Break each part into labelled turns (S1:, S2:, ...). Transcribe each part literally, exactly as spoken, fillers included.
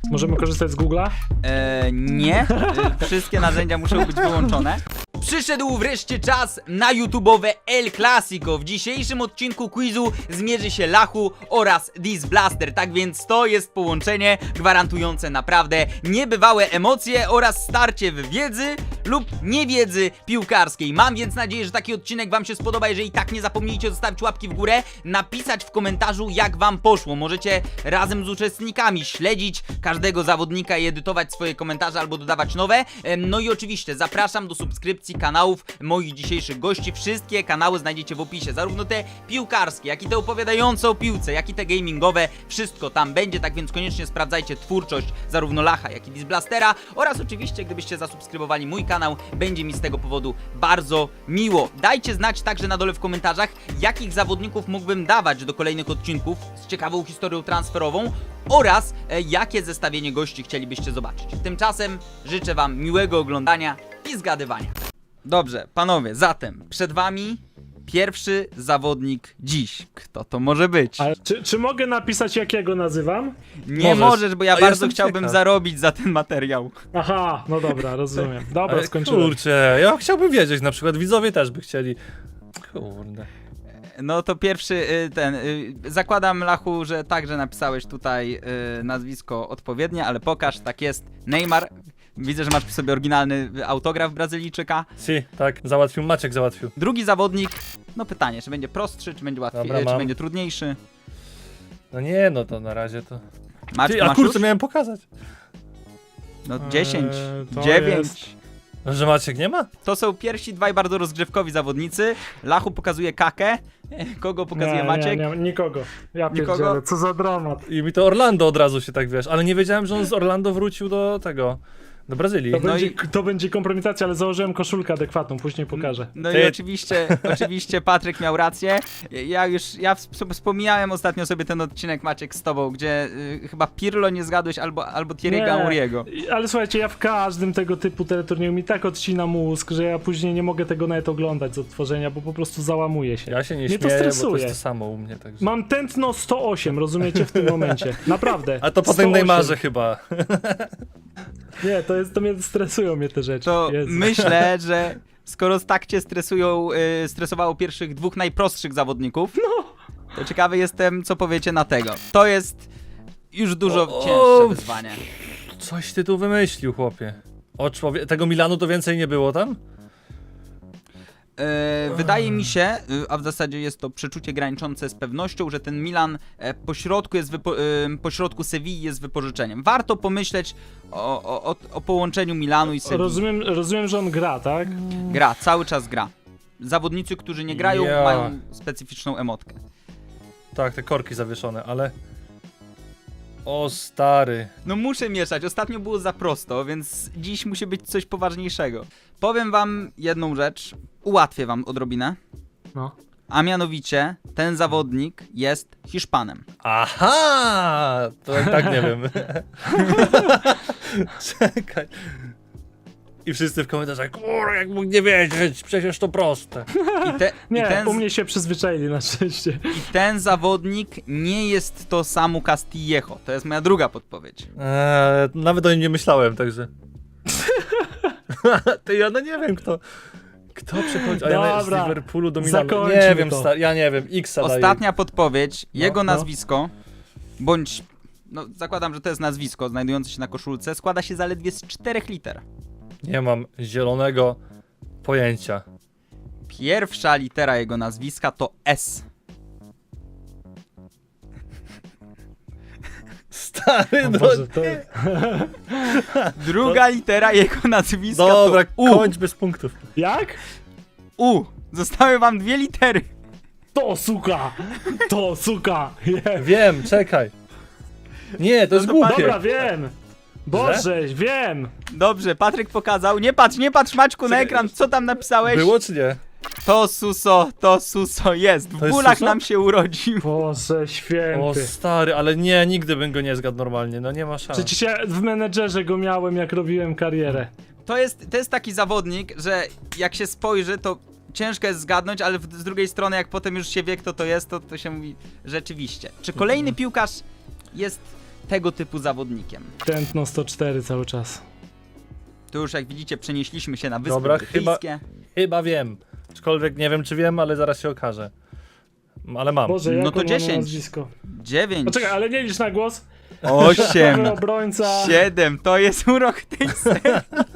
S1: Możemy korzystać z Google'a?
S2: Eee, nie. E, wszystkie narzędzia muszą być wyłączone. Przyszedł wreszcie czas na YouTube'owe El Clasico. W dzisiejszym odcinku quizu zmierzy się Lachu oraz Disblaster. Tak więc to jest połączenie gwarantujące naprawdę niebywałe emocje oraz starcie w wiedzy lub niewiedzy piłkarskiej. Mam więc nadzieję, że taki odcinek wam się spodoba. Jeżeli tak, nie zapomnijcie zostawić łapki w górę, napisać w komentarzu, jak wam poszło. Możecie razem z uczestnikami śledzić każdego zawodnika i edytować swoje komentarze albo dodawać nowe. No i oczywiście zapraszam do subskrypcji kanałów moich dzisiejszych gości. Wszystkie kanały znajdziecie w opisie, zarówno te piłkarskie, jak i te opowiadające o piłce, jak i te gamingowe. Wszystko tam będzie, tak więc koniecznie sprawdzajcie twórczość zarówno Lacha, jak i Disblastera oraz oczywiście, gdybyście zasubskrybowali mój kanał, będzie mi z tego powodu bardzo miło. Dajcie znać także na dole w komentarzach, jakich zawodników mógłbym dawać do kolejnych odcinków z ciekawą historią transferową oraz e, jakie zestawienie gości chcielibyście zobaczyć. Tymczasem życzę wam miłego oglądania i zgadywania. Dobrze, panowie, zatem przed wami pierwszy zawodnik dziś. Kto to może być?
S1: Ale czy, czy mogę napisać, jak ja go nazywam?
S2: Nie
S3: możesz.
S2: możesz, bo ja
S3: A
S2: bardzo
S3: jestem
S2: chciałbym
S3: ciekaw.
S2: zarobić za ten materiał.
S1: Aha, no dobra, rozumiem. Dobra,
S3: Ale
S1: skończyłem.
S3: kurczę, ja chciałbym wiedzieć, na przykład widzowie też by chcieli. Kurde.
S2: No to pierwszy y, ten. Y, zakładam, Lachu, że także napisałeś tutaj y, nazwisko odpowiednie, ale pokaż, tak jest. Neymar. Widzę, że masz przy sobie oryginalny autograf Brazylijczyka.
S3: Si, tak, załatwił, Maciek załatwił.
S2: Drugi zawodnik. No pytanie, czy będzie prostszy, czy będzie łatwiej,
S3: Dobra,
S2: czy
S3: mam.
S2: będzie trudniejszy.
S3: No nie, no to na razie to...
S2: Maczku,
S3: Ty, a
S2: masz
S3: kurczę,
S2: już?
S3: miałem pokazać.
S2: No dziesięć,
S1: Eee, to
S2: dziewięć.
S1: jest-
S3: Że Maciek nie ma?
S2: To są pierwsi dwaj bardzo rozgrzewkowi zawodnicy. Lachu pokazuje Kakę. Kogo pokazuje
S1: nie,
S2: Maciek?
S1: Nie, nie, nikogo. Ja
S2: Nikogo?
S1: pierdzielę, co za dramat.
S3: I mi to Orlando od razu się tak, wiesz, ale nie wiedziałem, że on z Orlando wrócił do tego, do Brazylii.
S1: To,
S2: No
S1: będzie,
S2: i-
S1: to będzie kompromitacja, ale założyłem koszulkę adekwatną, później pokażę.
S2: No
S3: Ty-
S2: i oczywiście, oczywiście Patryk miał rację. Ja już, ja wsp- wspomniałem ostatnio sobie ten odcinek, Maciek, z tobą, gdzie y, chyba Pirlo nie zgadłeś albo, albo Thierry'ego Henry'ego.
S1: I- ale słuchajcie, ja w każdym tego typu teleturnieju mi tak odcina mózg, że ja później nie mogę tego nawet oglądać z odtworzenia, bo po prostu załamuję się.
S3: Ja się nie
S1: Mnie to
S3: śmieję, bo to
S1: stresuje.
S3: jest to samo u mnie, także...
S1: Mam tętno sto osiem, rozumiecie, w tym momencie. Naprawdę.
S3: A to po
S1: sto
S3: tym
S1: osiem.
S3: Neymarze chyba.
S1: Nie, to jest, to mnie stresują mnie te rzeczy.
S2: To
S1: Jezu.
S2: myślę, że skoro tak cię stresują, y, stresowało pierwszych dwóch najprostszych zawodników, to ciekawy jestem, co powiecie na tego. To jest już dużo
S3: O, o.
S2: cięższe wyzwanie.
S3: Coś ty tu wymyślił, chłopie. O człowie... Tego Milanu to więcej nie było tam?
S2: E, wydaje mi się, y, a w zasadzie jest to przeczucie graniczące z pewnością, że ten Milan e, pośrodku jest wypo, e, pośrodku Sewilli jest wypożyczeniem. Warto pomyśleć o, o, o, o połączeniu Milanu i Sewilli.
S1: Rozumiem, rozumiem, że on gra, tak?
S2: Gra, cały czas gra. Zawodnicy, którzy nie grają,
S3: Ja.
S2: mają specyficzną emotkę.
S3: Tak, te korki zawieszone, ale... O stary.
S2: No muszę mieszać, ostatnio było za prosto, więc dziś musi być coś poważniejszego. Powiem wam jedną rzecz, ułatwię wam odrobinę,
S1: No.
S2: a mianowicie ten zawodnik jest Hiszpanem.
S3: Aha! To i tak nie wiem. Czekaj. I wszyscy w komentarzach, kur, jak mógł nie wiedzieć, przecież to proste.
S2: I, te,
S1: Nie,
S2: i, ten,
S1: u mnie się przyzwyczaili na szczęście.
S2: I ten zawodnik nie jest to Samu Castillejo, to jest moja druga podpowiedź.
S3: Eee, nawet o nim nie myślałem, także. Ty, ja no nie wiem kto. Kto przychodzi? A ja z
S1: Dobra,
S3: Liverpoolu do Milanu.
S1: zakończmy
S3: Nie wiem,
S1: to.
S3: sta- ja nie wiem, X-a daję.
S2: Ostatnia podpowiedź, jego
S1: no.
S2: nazwisko, bądź, no zakładam, że to jest nazwisko znajdujące się na koszulce, składa się zaledwie z czterech liter.
S3: Nie mam zielonego pojęcia.
S2: Pierwsza litera jego nazwiska to S.
S3: Stary,
S1: O
S3: no
S1: Boże, to...
S3: nie.
S2: Druga litera jego nazwiska
S3: Dobra,
S2: to U.
S3: kończ bez punktów.
S1: Jak?
S2: U. Zostały wam dwie litery.
S1: To suka! To suka! Yeah.
S3: Wiem, czekaj. Nie, to jest
S2: to
S3: głupie.
S1: Dobra, wiem! Boże, wiem!
S2: Dobrze, Patryk pokazał. Nie patrz, nie patrz, Maćku, na
S3: Czekaj.
S2: ekran. Co tam napisałeś?
S3: Było czy nie?
S2: To Suso, to Suso jest. W
S3: To jest
S2: bólach
S3: Suso?
S2: nam się urodził.
S1: Boże
S3: O
S1: święty.
S3: stary, ale nie, nigdy bym go nie zgadł normalnie, no nie ma szans.
S1: Przecież ja w menedżerze go miałem, jak robiłem karierę.
S2: To jest, to jest taki zawodnik, że jak się spojrzy, to ciężko jest zgadnąć, ale w, z drugiej strony, jak potem już się wie, kto to jest, to, to się mówi rzeczywiście. Czy kolejny piłkarz jest tego typu zawodnikiem.
S1: Tętno sto cztery cały czas.
S2: Tu już jak widzicie przenieśliśmy się na Wyspy
S3: Dobra, chyba-
S2: Brytyjskie.
S3: Chyba wiem. Aczkolwiek nie wiem, czy wiem, ale zaraz się okaże. Ale mam.
S1: Boże,
S2: No
S1: jak
S2: to
S1: on ma na
S2: dziesięć.
S1: nazwisko?
S2: dziewięć.
S1: Poczekaj, ale nie licz na głos.
S2: osiem.
S1: Nowy obrońca.
S2: siedem. To jest urok tej serii.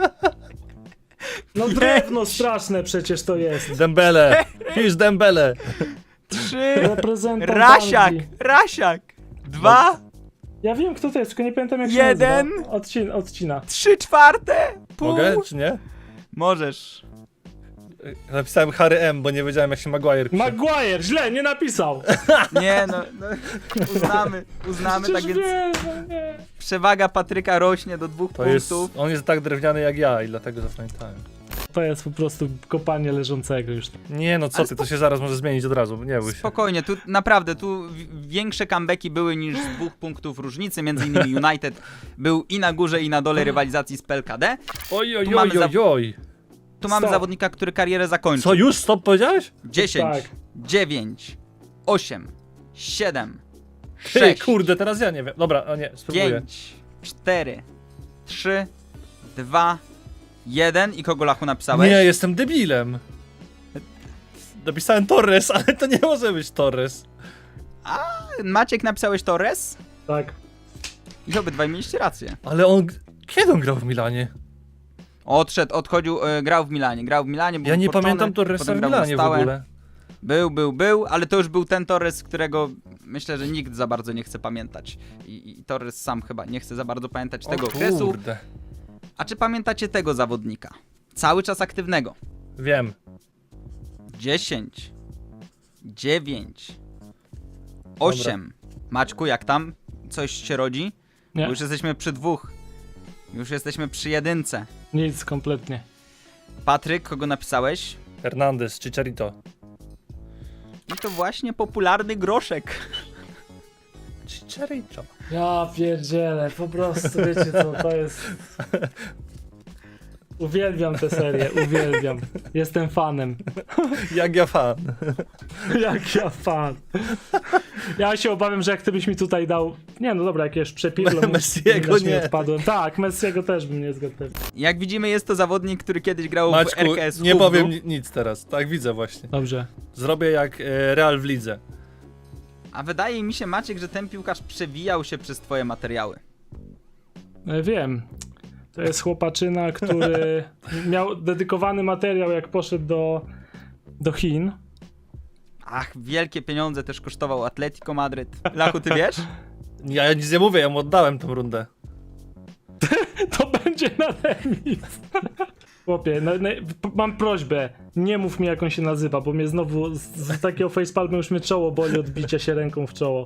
S1: No drewno straszne przecież to jest.
S3: Dembele! Pisz Dembele!
S2: trzy.
S1: Reprezentant
S2: Rasiak.
S1: Anglii.
S2: Rasiak. dwa.
S1: Ja wiem kto to jest, tylko nie pamiętam jak się
S2: Jeden.
S1: nazywa. Odcin odcina.
S2: trzy czwarte. Pół.
S3: Mogę, czy nie?
S2: Możesz.
S3: Napisałem Harry M, bo nie wiedziałem, jak się Maguire pisze.
S1: Maguire, źle, nie napisał.
S2: Nie no, no uznamy, uznamy,
S1: Przecież
S2: tak więc
S1: wiesz, no nie.
S2: przewaga Patryka rośnie do dwóch
S3: To jest,
S2: punktów.
S3: on jest tak drewniany jak ja i dlatego zapamiętałem.
S1: To jest po prostu kopanie leżącego już.
S3: Nie no, co
S2: Ale
S3: ty, to się zaraz może zmienić od razu, nie bój się.
S2: Spokojnie, tu naprawdę, tu w- większe comebacki były niż z dwóch punktów różnicy, między innymi United był i na górze i na dole rywalizacji z P L K D.
S3: Oj, oj,
S2: Tu mamy
S3: oj, oj, oj.
S2: Tu mamy
S1: Stop.
S2: zawodnika, który karierę zakończył.
S3: Co, już stop powiedziałeś?
S2: dziesięć,
S1: Tak.
S2: dziewięć, osiem, siedem,
S3: Ty,
S2: sześć,
S3: kurde, teraz ja nie wiem. Dobra, o nie, spróbuję.
S2: pięć, cztery, trzy, dwa, jeden i kogo Lachu napisałeś?
S3: Nie, jestem debilem. Napisałem Torres, ale to nie może być Torres.
S2: Maciek napisałeś Torres?
S1: Tak.
S2: I obydwaj mieliście rację.
S3: Ale on... Kiedy on grał w Milanie?
S2: Odszedł, odchodził, e, grał w Milanie, grał w Milanie, był
S3: Ja nie
S2: Portone,
S3: pamiętam Torresa
S2: potem
S3: w
S2: grał na
S3: Milanie w
S2: stałe.
S3: ogóle.
S2: Był, był, był, ale to już był ten Torres, którego myślę, że nikt za bardzo nie chce pamiętać. I, i Torres sam chyba nie chce za bardzo pamiętać tego
S3: O
S2: okresu.
S3: kurde.
S2: A czy pamiętacie tego zawodnika? Cały czas aktywnego.
S3: Wiem.
S2: dziesięć, dziewięć, osiem. Maćku, jak tam? Coś się rodzi?
S1: Nie,
S2: Bo już jesteśmy przy dwóch. Już jesteśmy przy jedynce.
S1: nic kompletnie.
S2: Patryk, kogo napisałeś?
S3: Hernandez, Chicharito.
S2: I to właśnie popularny groszek.
S3: Chicharito.
S1: Ja pierdzielę, po prostu wiecie co, to jest... Uwielbiam tę serię, uwielbiam. Jestem fanem.
S3: Jak ja fan.
S1: Jak ja fan. Ja się obawiam, że jak ty byś mi tutaj dał... Nie no dobra, jakieś przepidło...
S3: Messiego nie.
S1: Odpadłem. Tak, Messiego też bym nie zgadł.
S2: Jak widzimy, jest to zawodnik, który kiedyś grał w
S3: Maćku,
S2: R K S
S3: nie
S2: Hubnu.
S3: powiem ni- nic teraz. Tak widzę właśnie.
S1: Dobrze.
S3: Zrobię jak e, Real w lidze.
S2: A wydaje mi się, Maciek, że ten piłkarz przewijał się przez twoje materiały.
S1: E, Wiem. To jest chłopaczyna, który miał dedykowany materiał, jak poszedł do, do Chin.
S2: Ach, wielkie pieniądze też kosztował Atletico Madryt. Lachu, ty wiesz?
S3: Ja, ja nic nie mówię, ja mu oddałem tą rundę.
S1: To będzie na remis. Chłopie, no, no, p- mam prośbę, nie mów mi jak on się nazywa, bo mnie znowu z, z takiego facepalmu już mnie czoło boli od bicia się ręką w czoło.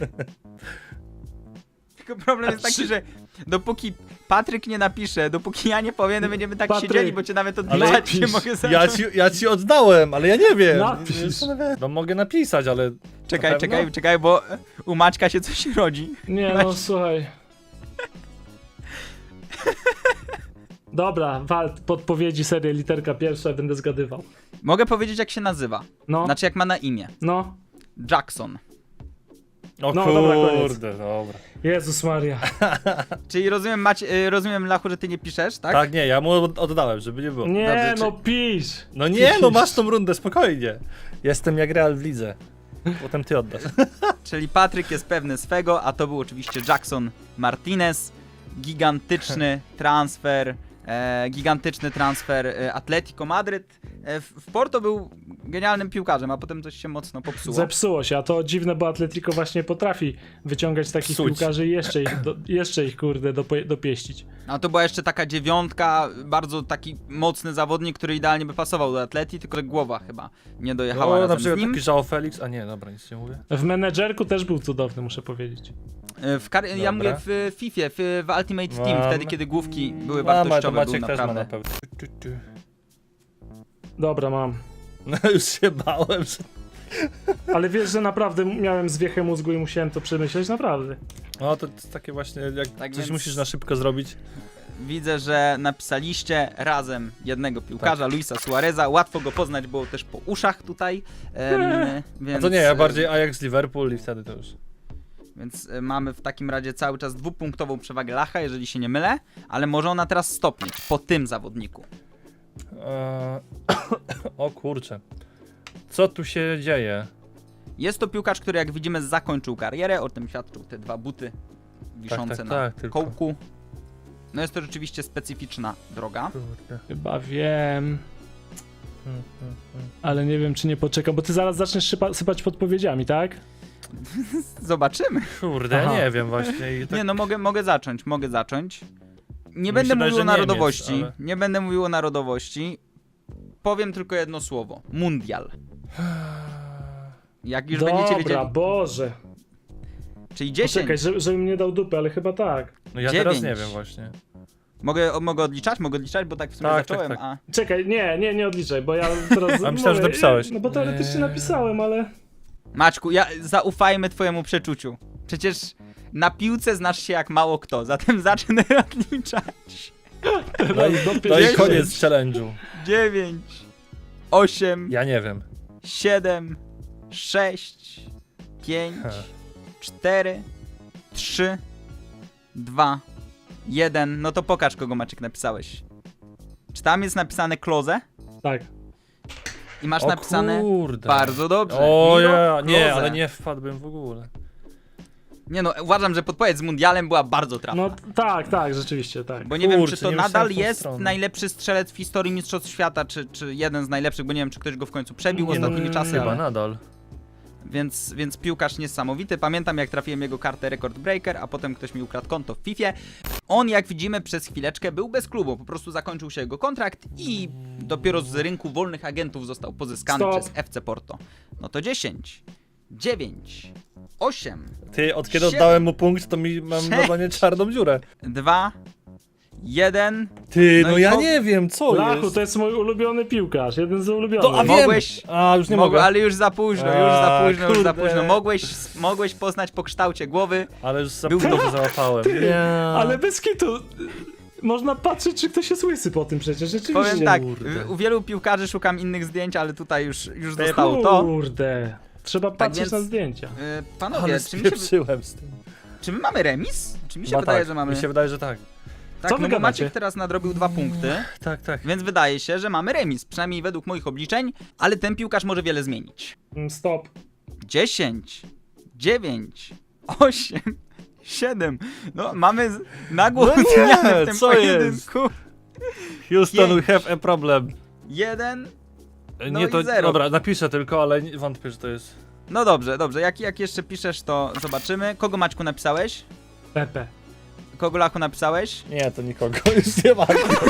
S2: Tylko problem jest taki, że dopóki Patryk nie napisze, dopóki ja nie powiem, to będziemy tak
S1: Patryk,
S2: siedzieli, bo cię nawet
S3: ale
S2: odliczać nie
S1: napisz.
S2: mogę zacząć.
S3: Ja ci, ja ci oddałem, ale ja nie wiem.
S1: Napisz.
S3: No mogę napisać, ale...
S2: Czekaj,
S3: Na
S2: czekaj,
S3: pewno?
S2: czekaj, bo u Maćka się coś rodzi.
S1: Nie no, słuchaj. Dobra, wal, podpowiedzi, serię literka pierwsza, będę zgadywał.
S2: Mogę powiedzieć, jak się nazywa.
S1: No,
S2: Znaczy, jak ma na imię.
S1: no.
S2: Jackson.
S3: O
S1: No, dobra, koniec.
S3: kurde, dobra.
S1: Jezus Maria.
S2: Czyli rozumiem, Macie, y, rozumiem, Lachu, że ty nie piszesz, tak?
S3: Tak, nie, ja mu od- oddałem, żeby nie było.
S1: Nie
S2: Dobrze,
S1: no, pisz.
S3: No nie, no masz tą rundę, spokojnie. Jestem jak Real w lidze. Potem ty oddasz.
S2: Czyli Patryk jest pewny swego, a to był oczywiście Jackson Martinez. Gigantyczny transfer, e, gigantyczny transfer e, Atletico Madryt. E, w, w Porto był genialnym piłkarzem, a potem coś się mocno popsuło.
S1: Zepsuło się, a to dziwne, bo Atletico właśnie potrafi wyciągać takich
S3: Psuć.
S1: piłkarzy i jeszcze ich, do, jeszcze ich kurde dopo- dopieścić.
S2: A to była jeszcze taka dziewiątka, bardzo taki mocny zawodnik, który idealnie by pasował do Atleti, tylko że głowa chyba nie dojechała
S3: O, na
S2: razem
S3: przykład
S2: z nim.
S3: taki João Felix, a nie, dobra, nic nie mówię.
S1: W menedżerku też był cudowny, muszę powiedzieć.
S2: E, W kar- ja
S3: Dobra.
S2: mówię w Fifie, w, w Ultimate Team,
S3: Mam.
S2: wtedy kiedy główki były
S3: Mama, to
S2: wartościowe, był
S3: Maciek też ma na
S2: naprawdę.
S3: pewno. Tu, tu, tu.
S1: Dobra, mam.
S3: No już się bałem, że...
S1: Ale wiesz, że naprawdę miałem zwiechę mózgu i musiałem to przemyśleć, naprawdę.
S3: No to jest takie właśnie, jak
S2: Tak
S3: coś
S2: więc-
S3: musisz na szybko zrobić.
S2: Widzę, że napisaliście razem jednego piłkarza, Luisa Suareza. Łatwo go poznać było też po uszach tutaj. Em,
S3: A
S2: więc,
S3: to nie, ja
S2: e,
S3: bardziej Ajax Liverpool i wtedy to już.
S2: Więc y, mamy w takim razie cały czas dwupunktową przewagę Lacha, jeżeli się nie mylę, ale może ona teraz stopnieć po tym zawodniku.
S3: Eee, o kurczę. Co tu się dzieje?
S2: Jest to piłkarz, który jak widzimy zakończył karierę, o tym świadczą te dwa buty wiszące
S3: tak,
S2: na
S3: tak, tylko.
S2: kołku. No jest to rzeczywiście specyficzna droga.
S3: Kurde.
S1: Chyba wiem,
S3: Mm, mm, mm.
S1: ale nie wiem, czy nie poczekam, bo ty zaraz zaczniesz sypa, sypać podpowiedziami, tak?
S2: Zobaczymy.
S3: Kurde,
S1: Aha.
S3: ja nie wiem właśnie. I tak...
S2: Nie no, mogę, mogę zacząć, mogę zacząć. Nie
S3: Mi
S2: będę
S3: się wydaje,
S2: mówił
S3: że
S2: o
S3: Niemiec,
S2: narodowości,
S3: ale-
S2: nie będę mówił o narodowości. Powiem tylko jedno słowo. Mundial. Jak już
S1: Dobra,
S2: będziecie wiedzieli.
S1: Boże.
S2: Czyli dziesięć.
S1: Poczekaj, żeby, żebym nie dał dupy, ale chyba tak.
S3: No ja teraz nie
S2: dziewięć.
S3: wiem właśnie.
S2: Mogę, o, mogę odliczać? Mogę odliczać, bo tak w sumie
S3: Tak,
S2: zacząłem,
S3: tak,
S2: a...
S1: Czekaj, nie, nie, nie odliczaj, bo ja teraz...
S3: A myślałem, że napisałeś.
S1: No bo teoretycznie
S3: Nie.
S1: napisałem, ale...
S2: Maćku, ja, zaufajmy twojemu przeczuciu. Przecież na piłce znasz się jak mało kto, zatem zacznę odliczać.
S3: No i,
S1: do
S3: no i
S1: pięćdziesięciu.
S3: koniec challenge'u.
S2: dziewięć, osiem,
S3: Ja nie wiem.
S2: siedem, sześć, pięć,
S3: Ha.
S2: cztery, trzy, dwa, jeden. No to pokaż, kogo Maciek napisałeś. Czy tam jest napisane Klose?
S1: Tak.
S2: I masz
S3: O
S2: napisane
S3: kurde.
S2: bardzo dobrze.
S3: O
S2: Miro
S3: ja, nie,
S2: Klose.
S3: ale nie wpadłbym w ogóle.
S2: Nie no, uważam, że podpowiedź z mundialem była bardzo trafna.
S1: No tak, tak, rzeczywiście, tak.
S2: Bo nie wiem,
S3: Kurczę,
S2: czy to
S3: nie
S2: nadal
S3: myślałem w tą
S2: jest
S3: stronę.
S2: najlepszy strzelec w historii Mistrzostw Świata, czy, czy jeden z najlepszych, bo nie wiem, czy ktoś go w końcu przebił
S1: Nie, no,
S2: ostatnimi czasy,
S3: Chyba
S2: ale...
S3: nadal.
S2: Więc, więc piłkarz niesamowity. Pamiętam, jak trafiłem jego kartę Record Breaker, a potem ktoś mi ukradł konto w Fifie. On, jak widzimy, przez chwileczkę był bez klubu. Po prostu zakończył się jego kontrakt i dopiero z rynku wolnych agentów został pozyskany
S1: Stop.
S2: przez F C Porto. No to dziesięć, dziewięć, osiem,
S3: Ty, od kiedy
S2: Siedem.
S3: oddałem mu punkt, to mi mam
S2: Sześć.
S3: normalnie czarną dziurę.
S2: dwa, jeden.
S3: Ty,
S2: No
S3: no,
S2: i
S3: ja
S2: po-
S3: nie wiem, co
S1: Lachu,
S3: jest.
S1: to jest mój ulubiony piłkarz, jeden z ulubionych.
S3: To, a wiem!
S2: Mogłeś-
S3: A, już nie
S2: Mogę,
S3: mogę.
S2: ale już za późno, już za
S3: A,
S2: późno, już za
S3: kurde.
S2: późno. Mogłeś, mogłeś poznać po kształcie głowy.
S3: Ale już za
S2: Był-
S3: późno się załapałem. Nie.
S1: Ale bez kitu, można patrzeć, czy ktoś jest łysy po tym przecież, rzeczywiście.
S2: Powiem tak,
S3: Kurde.
S2: w- u wielu piłkarzy szukam innych zdjęć, ale tutaj już, już
S3: Ty,
S2: zostało to.
S1: Kurde, trzeba patrzeć
S2: więc-
S1: na zdjęcia.
S2: Yy, Panowie,
S3: Ale
S2: czy, mi się,
S3: spieprzyłem z tym.
S2: czy my mamy remis? Czy mi się
S3: Chyba
S2: wydaje,
S3: tak.
S2: że mamy...
S3: Mi się wydaje, że tak.
S2: Tak,
S1: Co
S2: no
S1: wy
S2: bo
S1: gadacie?
S2: Maciek teraz nadrobił dwa punkty,
S3: Tak, tak.
S2: więc wydaje się, że mamy remis, przynajmniej według moich obliczeń, ale ten piłkarz może wiele zmienić.
S1: Mm, Stop.
S2: dziesięć, dziewięć, osiem, siedem. No, mamy z- nagłą
S3: No nie,
S2: zmianę w tym
S3: co
S2: pojedynku.
S3: Houston,
S2: Pięć.
S3: we have a problem.
S2: Jeden.
S3: E,
S2: No
S3: nie,
S2: i
S3: to
S2: zero.
S3: dobra, napiszę tylko, ale nie, wątpię, że to jest.
S2: No dobrze, dobrze. Jak, jak jeszcze piszesz, to zobaczymy. Kogo, Maćku, napisałeś?
S1: Pepe.
S2: Kogo, Lachu, napisałeś?
S3: Nie, to nikogo już nie ma.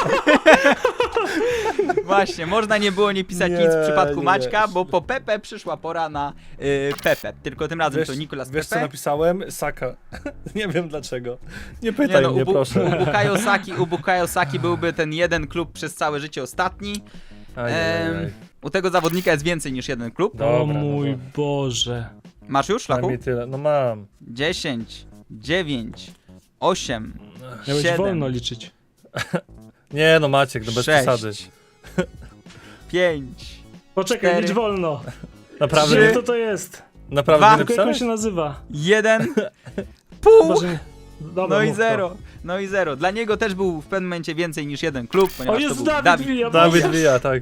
S2: Właśnie, można nie było nie pisać
S3: Nie,
S2: nic w przypadku
S3: nie,
S2: Maćka,
S3: nie.
S2: bo po Pepe przyszła pora na y, Pepe. Tylko tym razem
S3: Wiesz,
S2: to Nicolas
S3: wiesz co
S2: Pepe.
S3: napisałem? Saka. Nie wiem dlaczego. Nie
S2: Nie
S3: pytaj
S2: no,
S3: mnie,
S2: u, Bu-
S3: proszę.
S2: u Bukayo Saki, u Bukayo Saki byłby ten jeden klub przez całe życie ostatni.
S3: Ajajaj.
S2: Em, u tego zawodnika jest więcej niż jeden klub.
S3: Dobra,
S1: o
S3: no
S1: mój
S3: to-
S1: Boże.
S2: Masz już, Lachu?
S3: Przynajmniej tyle. No mam.
S2: dziesięć, dziewięć, osiem,
S1: Miałeś
S2: siedem,
S1: wolno liczyć.
S3: Nie no Maciek, no bez
S2: sześć,
S3: przesady.
S2: pięć,
S1: Poczekaj,
S2: Cztery.
S1: licz wolno.
S3: Naprawdę,
S1: Gdzie
S3: nie,
S1: to to jest?
S3: naprawdę
S2: Dwa.
S3: nie
S1: Tylko jak on
S3: napisałeś?
S1: się nazywa?
S2: jeden, pół.
S1: Chyba, że nie- Dobra,
S2: No i
S1: mów to.
S2: zero, no i zero. Dla niego też był w pewnym momencie więcej niż jeden klub,
S1: O,
S2: ponieważ to
S1: jest
S2: był
S1: Dawid,
S2: Dawid.
S1: Villa.
S3: Dawid
S1: Boże.
S3: Villa, tak.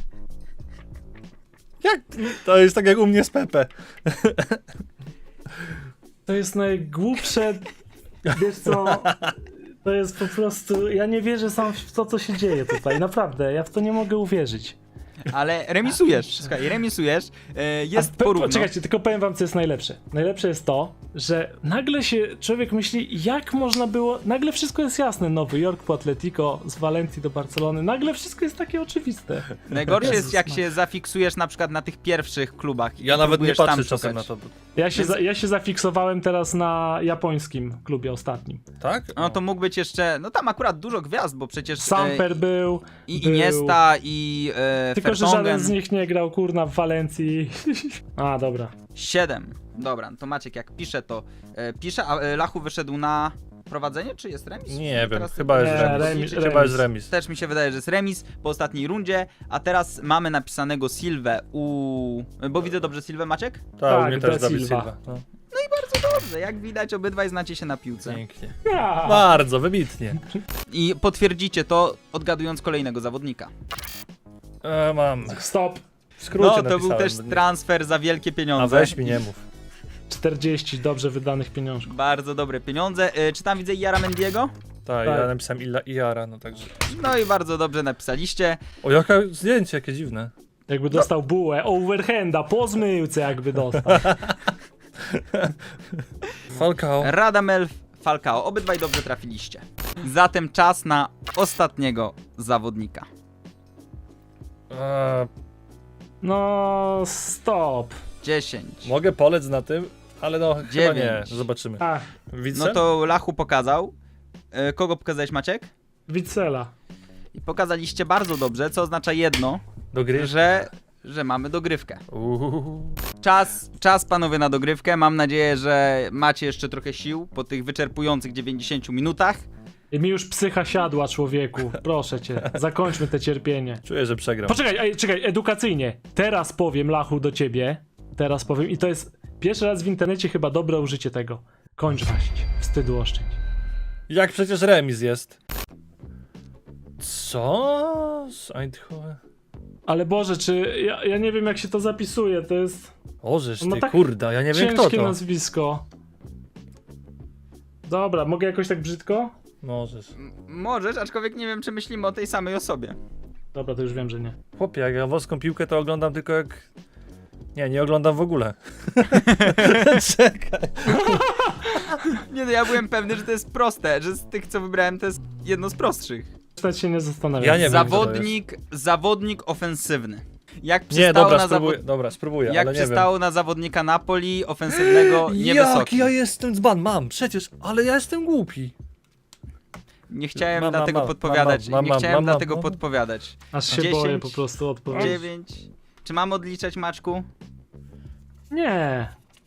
S3: Jak? To jest tak jak u mnie z Pepe.
S1: To jest najgłupsze, wiesz co, to jest po prostu, ja nie wierzę sam w to, co się dzieje tutaj, naprawdę, ja w to nie mogę uwierzyć.
S2: Ale remisujesz, słuchaj, remisujesz, e, jest
S1: A pe-
S2: porówno.
S1: Poczekajcie, tylko powiem wam, co jest najlepsze. Najlepsze jest to, że nagle się człowiek myśli, jak można było, nagle wszystko jest jasne, Nowy Jork po Atletico, z Walencji do Barcelony, nagle wszystko jest takie oczywiste.
S2: Najgorsze jest,
S1: Jezus
S2: jak
S1: Maria.
S2: się zafiksujesz na przykład na tych pierwszych klubach. i
S3: Ja nawet nie
S2: próbujesz tam
S3: patrzę czasem
S2: szukać.
S3: na to.
S1: Ja się,
S2: Więc-
S1: za, ja się zafiksowałem teraz na japońskim klubie ostatnim.
S3: Tak?
S2: No to mógł być jeszcze, no tam akurat dużo gwiazd, bo przecież
S1: Samper
S2: e,
S1: był,
S2: i
S1: był.
S2: Iniesta, i e,
S1: tylko że
S2: Vertonghen.
S1: żaden z nich nie grał, kurna, w Walencji. A, dobra.
S2: siedem. Dobra, no to Maciek jak pisze, to e, pisze, a e, Lachu wyszedł na prowadzenie, czy jest remis?
S3: Nie wiem,
S2: Teraz
S3: chyba jest
S1: Nie,
S3: remis.
S1: remis,
S3: Chyba
S1: remis.
S3: jest remis.
S2: Też mi się wydaje, że jest remis po ostatniej rundzie, a teraz mamy napisanego Silwę u... Bo widzę dobrze Silwę, Maciek?
S3: Tak, u
S1: Tak,
S3: mnie
S1: De
S3: też Dawid
S1: Silva.
S3: Silva. No.
S2: Dobrze, dobrze, jak widać obydwaj znacie się na piłce.
S3: Pięknie.
S1: Ja.
S3: Bardzo, wybitnie.
S2: I potwierdzicie to odgadując kolejnego zawodnika.
S3: E, mam.
S1: Stop.
S3: W skrócie
S2: No to
S3: napisałem.
S2: był też transfer za wielkie
S3: A
S2: pieniądze.
S3: weź mi nie mów.
S1: czterdzieści dobrze wydanych pieniążków.
S2: Bardzo dobre pieniądze. Y, czy tam widzę Jara Mendiego?
S3: Tak,
S1: Tak.
S3: ja napisałem Illa Iara, no także.
S2: No i bardzo dobrze napisaliście.
S3: O, jaka zdjęcie, jakie dziwne.
S1: Jakby dostał bułę, overhanda, po zmyłce jakby dostał.
S3: Falcao.
S2: Radamel Falcao. Obydwaj dobrze trafiliście. Zatem czas na ostatniego zawodnika.
S3: E,
S1: No, stop.
S2: dziesięć.
S3: mogę polec na tym, ale no chyba
S2: Dziewięć.
S3: nie. Zobaczymy.
S1: A,
S3: Widzę?
S2: No to Lachu pokazał. Y, kogo pokazałeś, Maciek?
S1: Wicela.
S2: I pokazaliście bardzo dobrze, co oznacza jedno,
S3: Do gry.
S2: że, że mamy dogrywkę.
S3: Uuu.
S2: Czas, czas panowie na dogrywkę. Mam nadzieję, że macie jeszcze trochę sił po tych wyczerpujących dziewięćdziesięciu minutach.
S1: I mi już psycha siadła, człowieku. Proszę cię, zakończmy te cierpienie.
S3: Czuję, że przegram.
S1: Poczekaj, ej, czekaj, edukacyjnie. Teraz powiem, Lachu, do ciebie. Teraz powiem i to jest pierwszy raz w internecie chyba dobre użycie tego. Kończ waść. Wstydu oszczędź.
S3: Jak przecież remis jest. Co? Z Eindhoven?
S1: Ale Boże, czy... Ja, ja nie wiem, jak się to zapisuje, to jest
S3: Ożeż
S1: No
S3: ty,
S1: tak
S3: kurda, ja nie wiem kto
S1: ciężkie
S3: to.
S1: nazwisko. Dobra, mogę jakoś tak brzydko?
S3: Możesz.
S2: M- możesz, aczkolwiek nie wiem, czy myślimy o tej samej osobie.
S1: Dobra, to już wiem, że nie.
S3: Chłopie, jak ja włoską piłkę to oglądam tylko jak... Nie, nie oglądam w ogóle. Czekaj.
S2: Nie no, ja byłem pewny, że to jest proste, że z tych, co wybrałem, to jest jedno z prostszych.
S1: Stać się nie zastanawiam.
S3: Ja nie wiem,
S2: zawodnik, zawodnik ofensywny. Jak
S3: Nie,
S2: przystało,
S3: dobra,
S2: na,
S3: spróbuję,
S2: zawod...
S3: dobra, spróbuję,
S2: Jak
S3: ale nie
S2: przystało na zawodnika Napoli, ofensywnego,
S3: wiem.
S2: niewysoki.
S3: Jak ja jestem dzban, mam, przecież, ale ja jestem głupi.
S2: Nie chciałem
S3: Mam, mam,
S2: dlatego
S3: mam,
S2: podpowiadać,
S3: mam, mam,
S2: nie
S3: mam,
S2: chciałem
S3: mam, mam,
S2: dlatego
S3: mam.
S2: podpowiadać.
S1: Aż się
S2: dziesięć,
S1: boję po prostu odpowiedzieć.
S2: dziewięć. Czy mam odliczać, Maczku?
S1: Nie.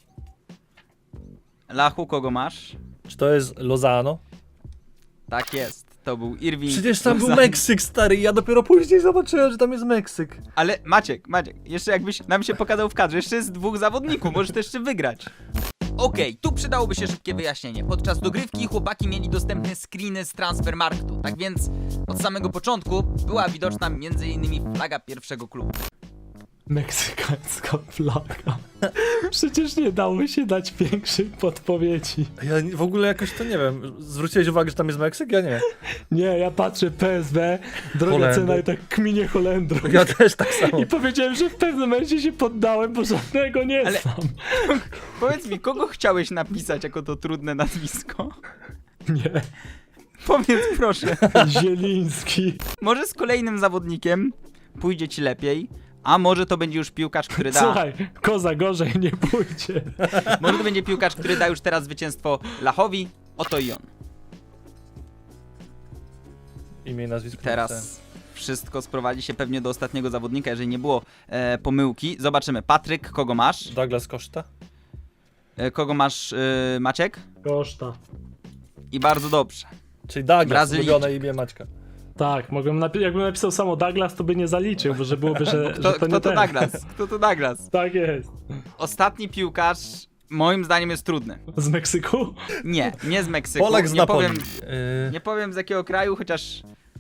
S2: Lachu, kogo masz?
S3: Czy to jest Lozano?
S2: Tak jest, to był Irving.
S3: Przecież tam był
S2: Lozano.
S3: Meksyk, stary, ja dopiero później zobaczyłem, że tam jest Meksyk.
S2: Ale Maciek, Maciek, jeszcze jakbyś nam się pokazał w kadrze, jeszcze jest dwóch zawodników, możesz to jeszcze wygrać. Okej, tu przydałoby się szybkie wyjaśnienie. Podczas dogrywki chłopaki mieli dostępne screeny z Transfermarktu, tak więc od samego początku była widoczna między innymi flaga pierwszego klubu.
S1: Meksykańska flaga. Przecież nie dało się dać większej podpowiedzi.
S3: Ja nie- w ogóle jakoś to nie wiem, zwróciłeś uwagę, że tam jest Meksyk? Ja nie.
S1: Nie, ja patrzę P S W, droga
S3: Holendry.
S1: cena i tak kminie Holendrów.
S3: Ja też tak samo.
S1: I powiedziałem, że w pewnym momencie się poddałem, bo żadnego nie
S2: Ale-
S1: znam.
S2: Powiedz mi, kogo chciałeś napisać jako to trudne nazwisko?
S1: Nie.
S2: Powiedz proszę.
S1: Zieliński.
S2: Może z kolejnym zawodnikiem pójdzie ci lepiej, a może to będzie już piłkarz, który da...
S1: Słuchaj, koza gorzej nie pójdzie.
S2: Może to będzie piłkarz, który da już teraz zwycięstwo Lachowi. Oto i on.
S3: Imię i nazwisko. napisałem.
S2: Teraz wszystko sprowadzi się pewnie do ostatniego zawodnika, jeżeli nie było e, pomyłki. Zobaczymy. Patryk, kogo masz?
S3: Douglas Costa?
S2: E, kogo masz, e, Maciek?
S1: Koszta.
S2: I bardzo dobrze.
S3: Czyli Douglas,
S2: Brazylijczyk.
S3: ulubione imię Maćka.
S1: Tak, mogłem napi- jakbym napisał samo Douglas, to by nie zaliczył, bo że byłoby, że,
S2: Kto,
S1: że to
S2: kto
S1: nie
S2: to
S1: ten.
S2: Douglas? Kto to Douglas?
S1: Tak jest.
S2: Ostatni piłkarz moim zdaniem jest trudny.
S1: Z Meksyku?
S2: Nie, nie z Meksyku.
S3: Polak z
S2: nie
S3: Napoli.
S2: powiem,
S3: Yy,
S2: nie powiem z jakiego kraju, chociaż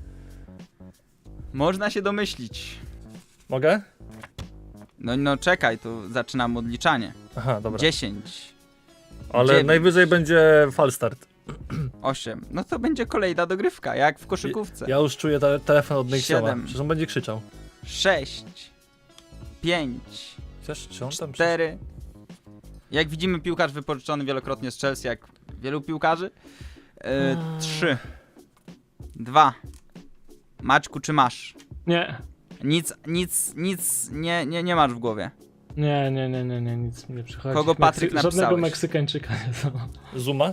S2: można się domyślić.
S3: mogę?
S2: No, no czekaj, to zaczynam odliczanie.
S3: Aha, dobra.
S2: dziesięć,
S3: Ale
S2: dziewięć.
S3: najwyżej będzie falstart.
S2: osiem. No to będzie kolejna dogrywka, jak w koszykówce.
S3: Ja już czuję te telefon od Nexioma.
S2: Siedem.
S3: Przecież on będzie krzyczał.
S2: sześć, pięć,
S3: Chcesz, czy on tam
S2: cztery. Jak widzimy, piłkarz wypożyczony wielokrotnie z Chelsea, jak wielu piłkarzy. E, trzy, dwa. Maćku, czy masz?
S1: Nie.
S2: Nic, nic, nic nie, nie, nie masz w głowie.
S1: Nie, nie, nie, nie, nie, nic mi nie przychodzi.
S2: Kogo Patryk
S1: Żadnego
S2: napisałeś?
S1: Meksykańczyka nie znam.
S3: Zuma?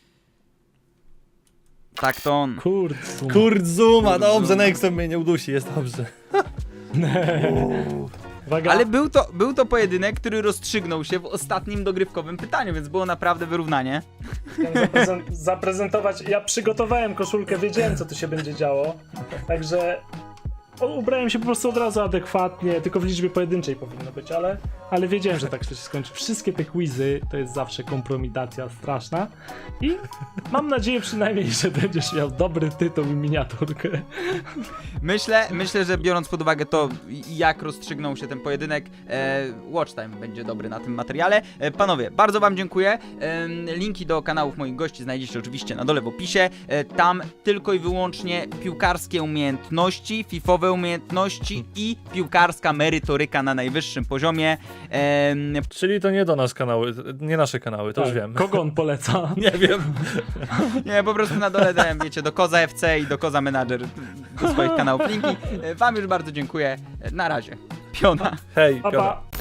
S2: Tak, to on.
S1: Kurde.
S3: Kurt Zuma,
S2: Kurt
S3: dobrze,
S2: Zuma.
S3: Nexem mnie nie udusi, jest dobrze.
S1: Uwaga.
S2: Ale był to, był to pojedynek, który rozstrzygnął się w ostatnim dogrywkowym pytaniu, więc było naprawdę wyrównanie.
S1: Chciałem zaprezen- zaprezentować. Ja przygotowałem koszulkę, wiedziałem, co tu się będzie działo. Także o, ubrałem się po prostu od razu adekwatnie, tylko w liczbie pojedynczej powinno być, ale, ale wiedziałem, że tak się skończy. Wszystkie te quizy to jest zawsze kompromitacja straszna i mam nadzieję przynajmniej, że będziesz miał dobry tytuł i miniaturkę.
S2: Myślę, myślę, że biorąc pod uwagę to, jak rozstrzygnął się ten pojedynek, e, watch time będzie dobry na tym materiale. E, panowie, bardzo wam dziękuję. E, linki do kanałów moich gości znajdziecie oczywiście na dole w opisie. E, tam tylko i wyłącznie piłkarskie umiejętności, fifowe umiejętności i piłkarska merytoryka na najwyższym poziomie. E,
S3: Czyli to nie do nas kanały, nie nasze kanały, to już wiem.
S1: Kogo on poleca?
S3: Nie wiem.
S2: nie, po prostu na dole dałem, wiecie, do Koza F C i do Koza Manager do swoich kanałów linki. E, wam już bardzo dziękuję. E, na razie. Piona.
S3: Hej,
S1: Pa,
S3: Piotr.
S1: pa.